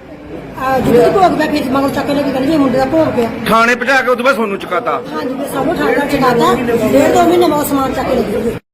Speaker 11: ਜਦੋਂ ਭੋਗ ਪਿਆ ਫਿਰ ਮਗਰ ਚੱਕ ਕੇ ਲੈ ਕੇ ਕਹਿੰਦੇ ਜੀ ਮੁੰਡੇ ਦਾ ਭੋਗ ਪਿਆ।
Speaker 1: ਥਾਣੇ ਪਹੁੰਚਾ ਕੇ ਉਦੋਂ ਬਾਅਦ ਤੁਹਾਨੂੰ ਚੁਕਾਤਾ?
Speaker 11: ਹਾਂਜੀ ਫਿਰ ਸਾਨੂੰ ਥਾਣੇਦਾਰ ਚਕਾਤਾ। ਡੇਢ ਦੋ ਮਹੀਨੇ ਬਾਅਦ ਸਮਾਨ ਚੱਕ ਕੇ ਲੈ ਗਏ।